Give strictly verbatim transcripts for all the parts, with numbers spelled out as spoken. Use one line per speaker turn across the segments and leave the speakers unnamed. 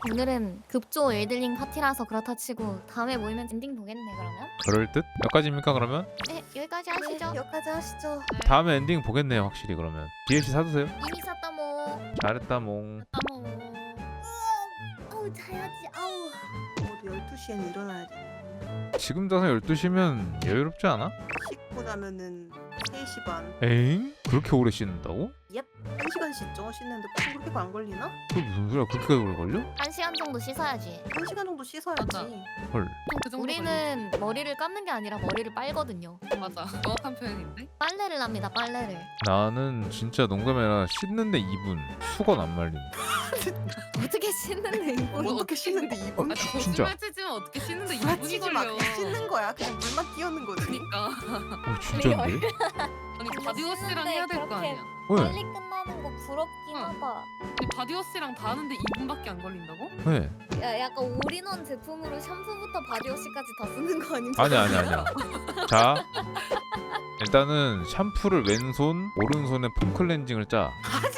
오늘은 급조 엘들링 파티라서 그렇다 치고 다음에 모이면 엔딩 보겠네 그러면?
그럴 듯? 여기까지입니까 그러면?
네 여기까지 하시죠.
네, 여기까지 하시죠.
다음에 엔딩 보겠네요 확실히 그러면. 디엘씨 사두세요.
이미 샀다 뭐.
잘했다 몽.
어머. 아우 자야지 아우.
모두 열두 시에는 일어나야 돼.
지금 자서 열두 시면 여유롭지 않아?
씻고 나면은 세 시 반.
에잉? 그렇게 오래 씻는다고?
한 시간 씻죠? 씻는데 보통 그렇게 안 걸리나?
그 무슨 소리야 그렇게 오래 걸려?
한 시간 정도 씻어야지.
한 시간 정도 씻어야지.
맞아.
헐.
그 정도
우리는 머리를 감는 게 아니라 머리를 빨거든요.
걸리지. 맞아. 정확한 표현인데.
빨래를 합니다 빨래를.
나는 진짜 농담이 아니라 씻는데 이 분 수건 안 말림.
어떻게 씻는데 이거?
뭐
어떻게 씻는데 이 분?
아,
진짜.
거짓말 치지만 어떻게 씻는데 이 분이
맞히지 마.
걸려.
그냥 씻는 거야. 그냥 물만 띄우는 거지.
그니까.
어 진짜인데?
아니 바디워시랑 해야 될 거
그렇게
아니야.
왜?
빨리 끝나는 거 부럽긴
응.
하다.
아니 바디워시랑 다 하는데 이 분밖에 안 걸린다고?
왜?
야 약간 올인원 제품으로 샴푸부터 바디워시까지 다 쓰는 거 아닌가?
아니 아니 아니야. 자 일단은 샴푸를 왼손 오른손에 폼클렌징을 짜.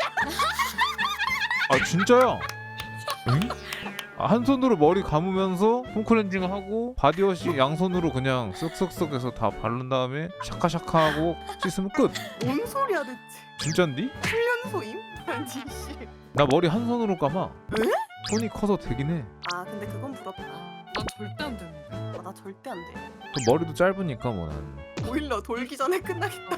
아 진짜야? 응? 아, 한 손으로 머리 감으면서 폼클렌징 하고 바디워시 양손으로 그냥 쓱쓱쓱 해서 다 바른 다음에 샤카샤카 하고 씻으면 끝.
뭔 소리야 대체?
진짠디?
훈련소임? 아니 씨.
나 머리 한 손으로 감아.
에?
손이 커서 되긴 해.
아 근데 그건 부럽다.
나 절대 안 되는데.
아, 나 절대 안 돼.
또 머리도 짧으니까 뭐 난.
보일러 돌기 전에 끝나겠다.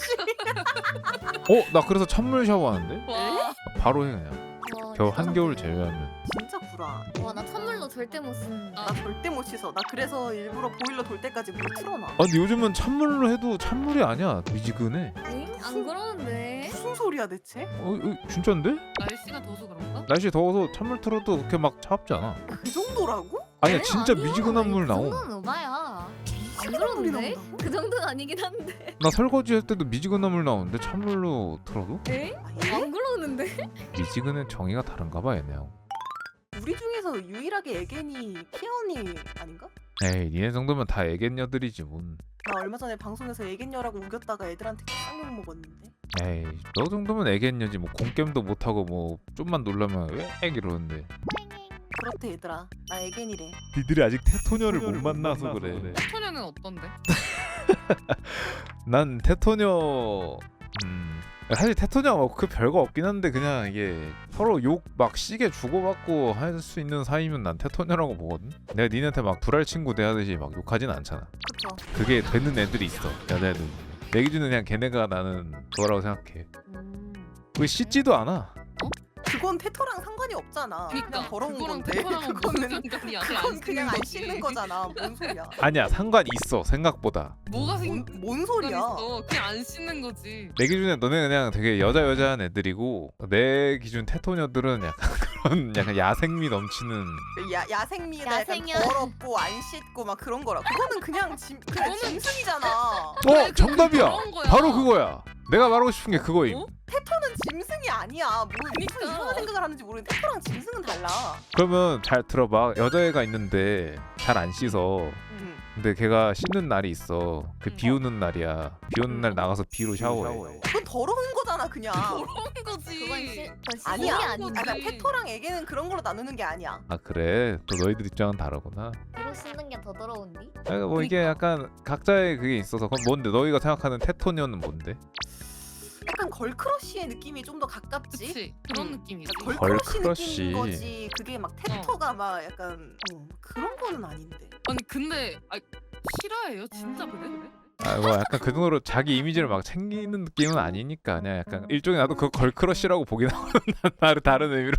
어? 나 그래서 찬물 샤워하는데?
와.
바로 해 그냥.
와,
겨울
진짜
한겨울
상쾌해.
제외하면.
진짜 구라.
와 나 찬물로 절대 못 쓴다.
나 절대 못 씻어. 나 그래서 일부러 보일러 돌 때까지 물 틀어놔.
아 근데 요즘은 찬물로 해도 찬물이 아니야. 미지근해.
엥? 안 그러는데.
무슨 소리야 대체?
어, 어 진짠데?
날씨가 더워서 그런가?
날씨 더워서 찬물 틀어도 그렇게 막 차갑지 않아.
그 정도라고?
아니야
에이,
진짜
아니야.
미지근한 물
그
나옴.
정도는 오바야. 안
시원한 물이
그러는데?
나온다고?
그 정도는 아니긴 한데.
나 설거지 할 때도 미지근한 물 나오는데 찬물로 틀어도?
엥?
아, 예?
안 그러는데?
미지근의 정의가 다른가 봐 얘네하고.
우리 중에서 유일하게 애견이 피언이 아닌가?
에이 니네 정도면 다 애견녀들이지 뭔.
나 얼마 전에 방송에서 애견녀라고 우겼다가 애들한테 쌍욕 먹었는데.
에이 너 정도면 애견녀지 뭐 공겜도 못하고 뭐 좀만 놀라면 왜 이러는데.
그렇대 얘들아. 나 애견이래.
니들이 아직 테토녀를 못 만나서 그래.
소녀는 어떤데?
난 테토녀 음 사실 테토녀가 뭐 그 별거 없긴 한데 그냥 이게 서로 욕 막 시게 주고받고 할 수 있는 사이면 난 테토녀라고 보거든. 내가 니네한테 막 불알 친구 대하듯이 막 욕하진 않잖아.
그쵸?
그게 되는 애들이 있어 여자애들. 내 기준은 그냥 걔네가 나는 그거라고 생각해.
음.
왜 씻지도 않아.
그건 테토랑 상관이 없잖아. 그냥
그니까
더러운
그거랑
건데.
테토랑은 무슨
그거는
상관이야?
그건 그냥 안 씻는 거잖아. 뭔 소리야?
아니야 상관 있어 생각보다.
뭐가 생?
뭔, 뭔 소리야?
있어. 그냥 안 씻는 거지.
내 기준에 너네 그냥 되게 여자 여자한 애들이고 내 기준 테토녀들은 약간 그런 약간 야생미 넘치는.
야 야생미에다 약간
야생이야.
더럽고 안 씻고 막 그런 거라. 그거는 그냥 짐 그냥
그거는-
짐승이잖아.
어
그래, 그-
정답이야.
그런 거야.
바로 그거야. 내가 말하고 싶은 게 그거임.
어?
테토는 짐승이 아니야. 뭐 무슨
그니까.
이상한 생각을 하는지 모르겠는데 테토랑 짐승은 달라.
그러면 잘 들어봐. 여자애가 있는데 잘 안 씻어.
음.
근데 걔가 씻는 날이 있어. 그
음.
비 오는 날이야. 비 오는 날 나가서 비로 샤워해.
그건 더러운 거잖아 그냥.
더러운 거지.
그건 시, 그건 시,
아니야.
아니
거지.
아, 그러니까 테토랑 애기는 그런 걸로 나누는 게 아니야.
아 그래? 또 너희들 입장은 다르구나.
뒤로 씻는 게 더 더러운디?
아, 뭐 이게 약간 각자의 그게 있어서. 그럼 뭔데? 너희가 생각하는 테토녀는 뭔데?
약간 걸크러쉬의 느낌이 좀 더 가깝지.
그치 그런
음.
느낌이지.
걸크러쉬
걸크러쉬.
느낌인 거지. 그게 막 테토가 막 약간 어, 그런 거는 아닌데.
아니 근데 아, 실화예요? 진짜 그래?
아, 뭐 약간 그 정도로 자기 이미지를 막 챙기는 느낌은 아니니까 그냥 약간 일종의 나도 그거 걸크러쉬라고 보긴 하거든. 다른 다른 의미로.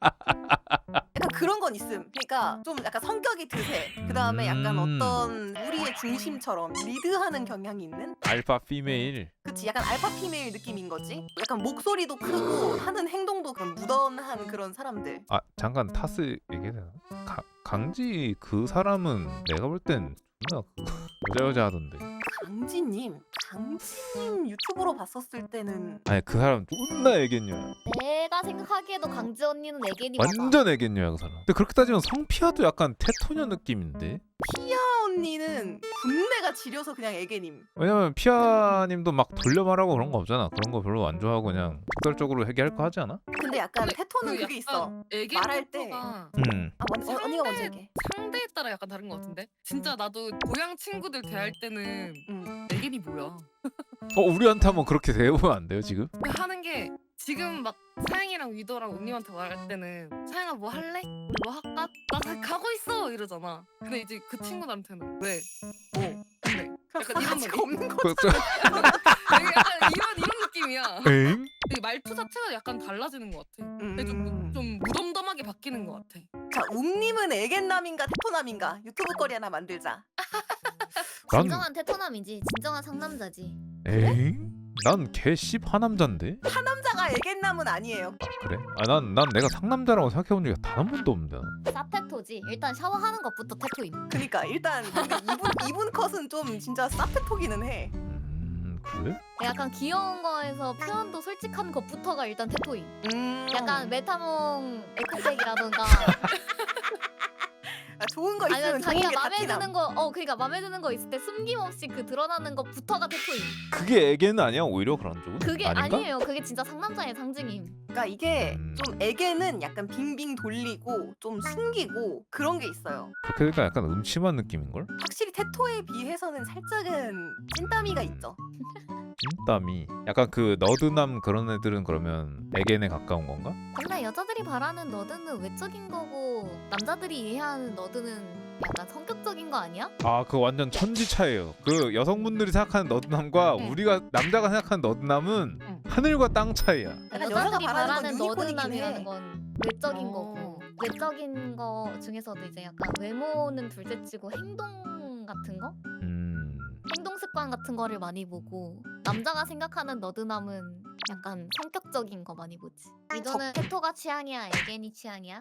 약간 그런 건 있음. 그러니까 좀 약간 성격이 드세. 그 다음에 약간
음.
어떤 우리의 중심처럼 리드하는 경향이 있는.
알파 피메일.
그치 약간 알파 피메일 느낌인 거지. 약간 목소리도 크고 하는 행동도 그런 무던한 그런 사람들.
아 잠깐 타스 얘기해야 되나? 가, 강지 그 사람은 내가 볼 땐 존나 그거 여자 여자 하던데.
강지님, 강지님 유튜브로 봤었을 때는
아니 그 사람 존나 애견녀야.
내가 생각하기에도 강지 언니는 애견이 맞아.
완전 애견녀야 그 사람. 근데 그렇게 따지면 성피아도 약간 테토녀 느낌인데.
피아 언니는 분내가 지려서 그냥 애개님.
왜냐면 피아님도 막 돌려 말하고 그런 거 없잖아. 그런 거 별로 안 좋아하고 그냥 직설적으로 얘기할 거 하지 않아?
근데 근데 약간
근데
테토는
그
그게 있어.
약간 애견
말할 때.
테토가
음.
아 먼저 어, 언니가 먼저 얘기해.
상대에 따라 약간 다른 것 같은데? 진짜 나도 고향 친구들 대할 때는
응.
애견이 뭐야?
어 우리한테 한번 그렇게 대해보면 안 돼요 지금?
하는 게 지금 막 사양이랑 위도랑 웅님한테 말할 때는 사양아 뭐 할래? 우리 뭐 할까? 나 가- 가고 있어 이러잖아. 근데 이제 그 친구들한테는 왜? 뭐? 근데 약간 이런
싸가지가
느낌?
없는 거.
그, 저,
아니, 약간 이런 이런 느낌이야.
엥?
이 말투 자체가 약간 달라지는 것 같아. 근데 좀,
음.
좀 무덤덤하게 바뀌는 것 같아.
자, 웅님은 애견남인가 테토남인가? 유튜브 거리 하나 만들자.
난
진정한 테토남이지. 진정한 상남자지.
엥? 난 개씹 하남자인데?
남자가 애견남은 아니에요.
그래? 아 난 난 내가 상남자라고 생각해본 적이 단 한 번도 없는데.
사테토지. 일단 샤워하는 것부터 테토임.
그니까 일단 근데 이분 이분 컷은 좀 진짜 사페토기는 해.
음 그래?
약간 귀여운 거에서 표현도 솔직한 것부터가 일단 테토임.
음.
약간 메타몽 에코백이라던가
아, 좋은 거 있으면
아니면
좋은
자기가
게
마음에
다티남.
드는 거, 어 그러니까 마음에 드는 거 있을 때 숨김없이 그 드러나는 것부터가 테토임.
그게 애견 아니야? 오히려 그런 쪽은?
그게
아닌가?
아니에요. 그게 진짜 상남자의 상징임.
그러니까 이게
음.
좀 애견은 약간 빙빙 돌리고 좀 숨기고 그런 게 있어요.
그렇게 되니까 약간 음침한 느낌인걸?
확실히 테토에 비해서는 살짝은 찐따미가 있죠.
찐땀이 약간 그 너드남 그런 애들은 그러면 애견에 가까운 건가?
근데 여자들이 바라는 너드는 외적인 거고 남자들이 이해하는 너드는 약간 성격적인 거 아니야?
아 그 완전 천지 차이에요. 그 여성분들이 생각하는 너드남과
응.
우리가 남자가 생각하는 너드남은
응.
하늘과 땅 차이야.
약간
여자들이
여자가 바라는
바라는
건 유니콘이긴
너드남이라는
해.
건 외적인
어.
거고 외적인 거 중에서도 이제 약간 외모는 둘째치고 행동 같은 거?
음...
행동 습관 같은 거를 많이 보고 남자가 생각하는 너드남은 약간 성격적인 거 많이 보지. 이거는 테토가 취향이야, 애견이 취향이야?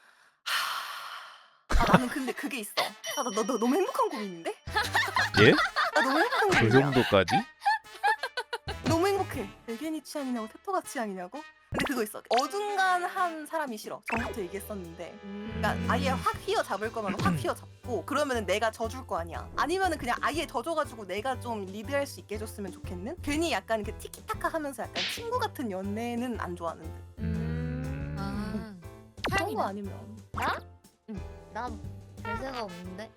아 나는 근데 그게 있어. 아, 나, 너, 너 너무 행복한 고민인데?
예?
나 너무 행복한
그
고민이야.
정도까지?
너무 행복해. 애견이 취향이냐고 테토가 취향이냐고? 근데 그거 있어. 어중간한 사람이 싫어. 전부터 얘기했었는데. 그러니까 아예 확 휘어 잡을 거면 확 휘어 잡고 그러면은 내가 져줄 거 아니야. 아니면은 그냥 아예 져줘가지고 내가 좀 리드할 수 있게 해줬으면 좋겠는? 괜히 약간 그 티키타카 하면서 약간 친구 같은 연애는 안 좋아하는데.
음...
아,
그런 거
사양이나
아니면.
나?
응.
나 별세가 없는데?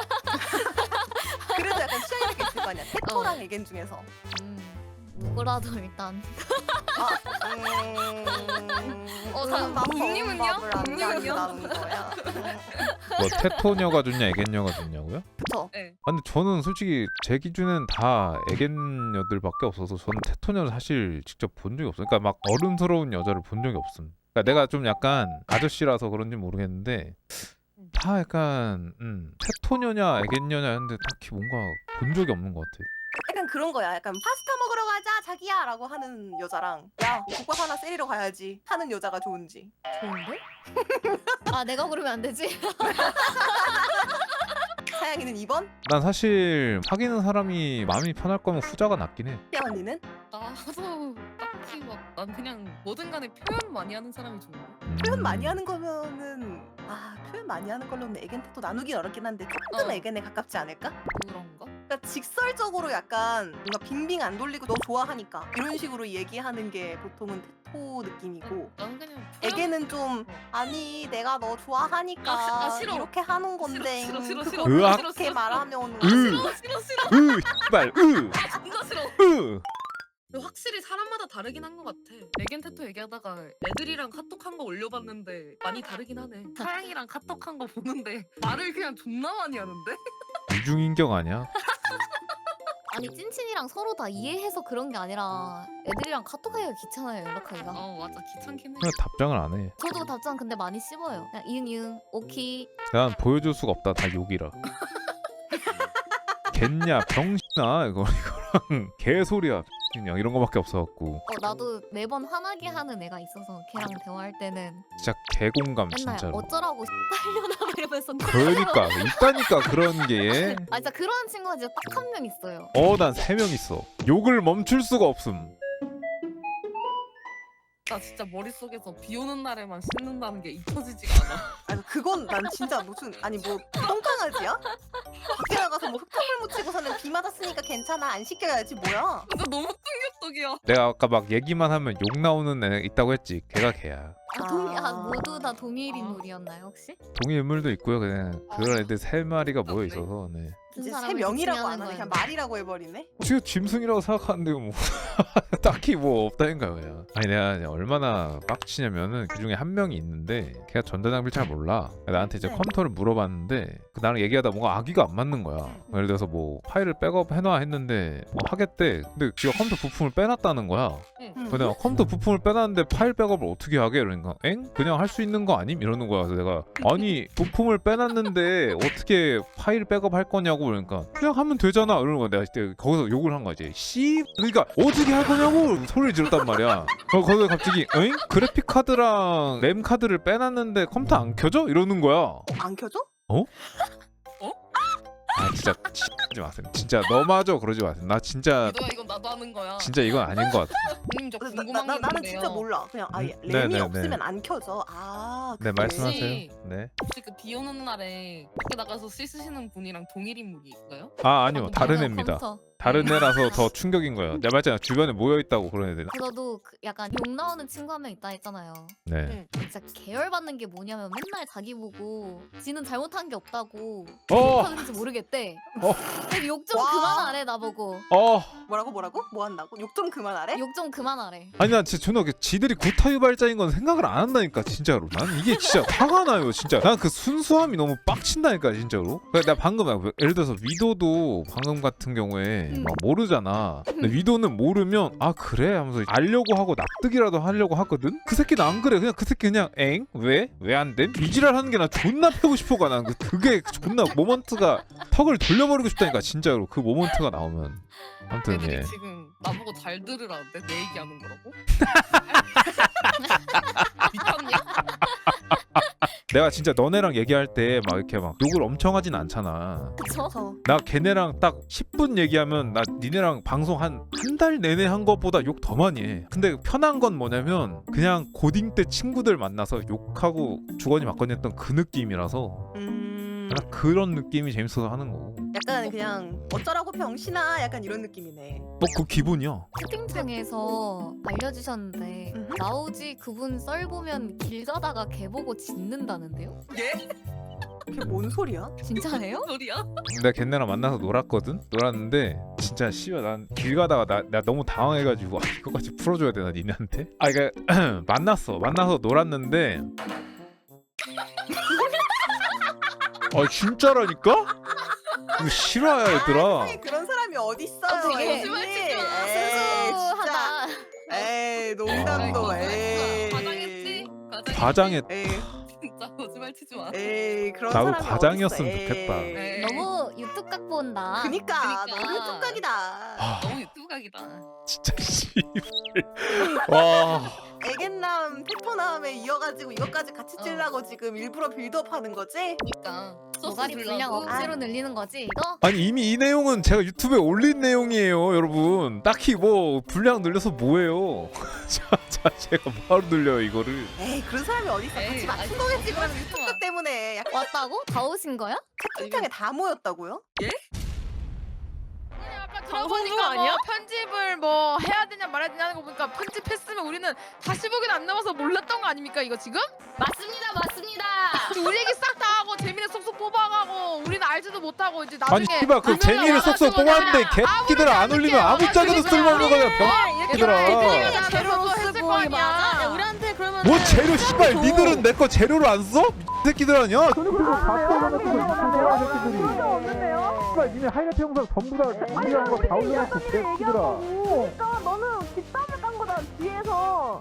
그래도 약간 취향이 있을 거 아니야. 테토랑
어.
애견 중에서.
음, 누구라도 일단
아, 음...
어, 다
음, 밥
웅님은요?
밥을 안
웅님은요?
가져다는 거야. 음,
뭐 테토녀가 좋냐 애견녀가 좋냐고요?
그쵸.
네.
아, 근데 저는 솔직히 제 기준엔 다 애견녀들밖에 없어서 저는 테토녀를 사실 직접 본 적이 없어요. 그러니까 막 어른스러운 여자를 본 적이 없음. 그러니까 내가 좀 약간 아저씨라서 그런지 모르겠는데 다 약간 음, 테토녀냐 애견녀냐 했는데 딱히 뭔가 본 적이 없는 것 같아.
약간 그런 거야. 약간 파스타 먹으러 가자 자기야 라고 하는 여자랑 야 국밥 하나 세리러 가야지 하는 여자가 좋은지.
좋은데? 아 내가 고르면 안 되지?
사양이는 이 번?
난 사실 사귀는 사람이 마음이 편할 거면 후자가 낫긴 해.
야 언니는?
나도 딱히 막 난 그냥 뭐든 간에 표현 많이 하는 사람이 좋은데.
음.
표현 많이 하는 거면은 아 표현 많이 하는 걸로는 애견 테토 나누긴 어렵긴 한데 조금
어.
애견에 가깝지 않을까?
그런가?
그러니까 직설적으로 약간 뭔가 빙빙 안 돌리고 너 좋아하니까 이런 식으로 얘기하는 게 보통은 테토 느낌이고
난 그냥 표현...
애견은 좀 아니 내가 너 좋아하니까
아, 아, 싫어.
이렇게 하는 건데
싫어, 싫어, 싫어,
그걸
으악.
그렇게 말하면
으.
싫어 싫어 싫어.
으, 씨발, 으,
진짜 싫어.
으.
근데 확실히 사람마다 다르긴 한 것 같아. 애견 테토 얘기하다가 애들이랑 카톡한 거 올려봤는데 많이 다르긴 하네. 사양이랑 카톡한 거 보는데 말을 그냥 존나 많이 하는데?
이중인격 아니야?
아니 찐친이랑 서로 다 이해해서 그런 게 아니라 애들이랑 카톡하기가 귀찮아요 연락하기가.
어 맞아 귀찮긴 해.
그냥 답장을 안 해.
저도 답장 근데 많이 씹어요. 그냥 이응이응 오키.
난 보여줄 수가 없다. 다 욕이라. 겠냐 병신아 이거 이거랑 개소리야 그냥 이런 거밖에 없어갖고
어 나도 매번 화나게 하는 애가 있어서 걔랑 대화할 때는
진짜 개공감
맨날
진짜로.
어쩌라고 빨려나 이러면서.
그러니까 있다니까 그런 게.
아 진짜 그런 친구가 진짜 딱 한 명 있어요.
어 난 세 명 있어. 욕을 멈출 수가 없음.
나 진짜 머릿속에서 비 오는 날에만 씻는다는 게 잊혀지지가 않아.
아니 그건 난 진짜 무슨 아니 뭐 똥강아지야? 밖에 나가서 뭐 흙탕물 묻히고 사는 비 맞았으니까 괜찮아 안 씻겨야지 뭐야?
진짜 너무 충격 저기요.
내가 아까 막 얘기만 하면 욕 나오는 애 있다고 했지. 걔가 걔야.
아, 동일, 아,
아.
모두 다 동일
아.
인물이었나요 혹시?
동일 인물도 있고요. 그냥 그런 애들 세 마리가 모여
네.
있어서. 네.
무슨
이제 세
사람을
명이라고
지칭하는
안 하네. 그냥
거예요?
말이라고 해버리네.
지금 짐승이라고 생각하는데요. 뭐 딱히 뭐 없다니까요. 그냥. 아니 내가 이제 얼마나 빡치냐면은 그 중에 한 명이 있는데 걔가 전자장비를 잘 몰라. 나한테 이제
네.
컴퓨터를 물어봤는데 그 나랑 얘기하다 뭔가 아기가 안 맞는 거야. 예를 들어서 뭐 파일을 백업 해놔 했는데 뭐 하겠대. 근데 지가 컴퓨터 부품을 빼놨다는 거야.
음.
근데 내가 컴퓨터 부품을 빼놨는데 파일 백업을 어떻게 하게? 그러니까 엥? 그냥 할 수 있는 거 아님? 이러는 거야. 그래서 내가 아니 부품을 빼놨는데 어떻게 파일 백업 할 거냐고. 그러니까 그냥 하면 되잖아 이러는 거야. 내가 그때 거기서 욕을 한 거지. 씨 그러니까 어떻게 할 거냐고 소리를 질렀단 말이야. 어, 거기서 갑자기 엥? 그래픽 카드랑 램 카드를 빼놨는데 컴퓨터 안 켜져? 이러는 거야.
어, 안 켜져?
아 진짜 하지 마세요. 진짜 너마저 그러지 마세요. 나 진짜
이도야 이건 나도 하는 거야.
진짜 이건 아닌 것 같아.
형님 저
나, 나,
궁금한
나,
게
나는
있는데요.
진짜 몰라. 그냥 아예
음?
램이
네, 네,
없으면
네.
안 켜져. 아
네
그래.
말씀하세요.
혹시-
네.
혹시 그 비 오는 날에 밖에 나가서 씻으시는 분이랑 동일 인물인가요?
아 아니요 다른
컴퓨터,
애입니다.
컴퓨터.
다른 애라서 더 충격인 거예요. 내가 말했잖아 주변에 모여 있다고 그런 애들.
저도 그 약간 욕 나오는 친구 한 명 있다 했잖아요.
네.
진짜 계열받는 게 뭐냐면 맨날 자기 보고 지는 잘못한 게 없다고
어.
하는지 모르겠대.
어.
욕 좀
와.
그만하래 나보고.
어.
뭐라고 뭐라고? 뭐 한다고? 욕 좀 그만하래?
욕 좀 그만하래.
아니 나 진짜 존나 그 지들이 구타유발자인 건 생각을 안 한다니까 진짜로. 난 이게 진짜 화가 나요 진짜. 난 그 순수함이 너무 빡친다니까 진짜로. 그러니까 나 방금 막 예를 들어서 위도도 방금 같은 경우에
음.
막 모르잖아. 근데 위도는 모르면 아 그래 하면서 알려고 하고 납득이라도 하려고 하거든. 그 새끼는 안 그래. 그냥 그 새끼 그냥 엥? 왜? 왜 안 됨? 이지랄 하는 게 나 존나 패고 싶어가. 난 그- 그게 존나 모먼트가 턱을 돌려버리고 싶다니까 진짜로. 그 모먼트가 나오면. 아무튼
애들이
예.
지금 나보고 잘 들으라는데 내 얘기하는 거라고? 미쳤냐?
내가 진짜 너네랑 얘기할 때 막 이렇게 막 욕을 엄청 하진 않잖아.
그쵸?
저
나 걔네랑 딱 십 분 얘기하면 나 니네랑 방송 한 한 달 내내 한 것보다 욕 더 많이 해. 근데 편한 건 뭐냐면 그냥 고딩 때 친구들 만나서 욕하고 주거니 받거니 했던 그 느낌이라서
음.
약간 그런 느낌이 재밌어서 하는 거고.
약간 그냥 어쩌라고 병신아 약간 이런 느낌이네.
뭐 그 기본이야.
채팅창에서 알려주셨는데
음흠.
나오지 그분 썰 보면 길 가다가 개 보고 짖는다는데요?
예?
그게 뭔 소리야?
진짜예요?
소리야?
내가 걔네랑 만나서 놀았거든? 놀았는데 진짜 씨발 난 길 가다가 나, 나 너무 당황해가지고 아, 이거까지 풀어줘야 되나 니네한테? 아 그니까 만났어 만나서 놀았는데 아 진짜라니까? 이거 실화야 얘들아.
세상에 그런 사람이 어디 있어요?
어, 되게
에이,
거짓말치지 마.
에이, 진짜.
순수하다.
에이 농담도 에이.
과장했지? 과장했지?
과장했
에이
진짜 거짓말 치지 마.
에이 그런
나도
사람이
과장이었으면
어딨어,
좋겠다.
에이.
에이.
너무 유튜브 각 본다.
그니까
그니까.
너무 뚝딱이다.
아
너무 유튜브 각이다.
진짜 씨발. 와.
애견남 테토남에 이어가지고 이것까지 같이
어.
찔라고 지금 일부러 빌드업하는 거지?
그러니까
노가리 분량 억지로 늘리는 거지 이거?
아니 이미 이 내용은 제가 유튜브에 올린 내용이에요 여러분. 딱히 뭐 분량 늘려서 뭐해요. 자, 자 제가 뭐하러 늘려요 이거를.
에이 그런 사람이 어디 있어?
에이,
같이 맞춘
아니,
거겠지 그러면
거짓말
유튜브
하지 마.
때문에 약간
왔다고? 다 오신 거야?
채팅창에 다 모였다고요?
아까
방송국
들어보니까 뭐
아니야?
편집을 뭐 해야 되냐 말아야 되냐 하는 거 보니까 편집했으면 우리는 다시 보기는 안 남아서 몰랐던 거 아닙니까 이거 지금?
맞습니다 맞습니다.
우리 얘기 싹 다 하고 재미를 쏙쏙 뽑아가고 우리는 알지도 못하고 이제
아니
나중에
씨발 그 재미를 쏙쏙 뽑았는데 개끼들 안 올리면 아무 짝에도 쓸모없는 거야 병. 얘들아.
재료로 했을 거 아니야.
우리한테 그러면
뭐 재료 씨발 니들은 내 거 재료로 안 써? 이 새끼들 아니야? 씨발 니네 하이라이트 영상 전부 다 준비한 거 다 올려놓고 개새끼들아.
그러니까 너는 뒷담을 깐 거다 뒤에서.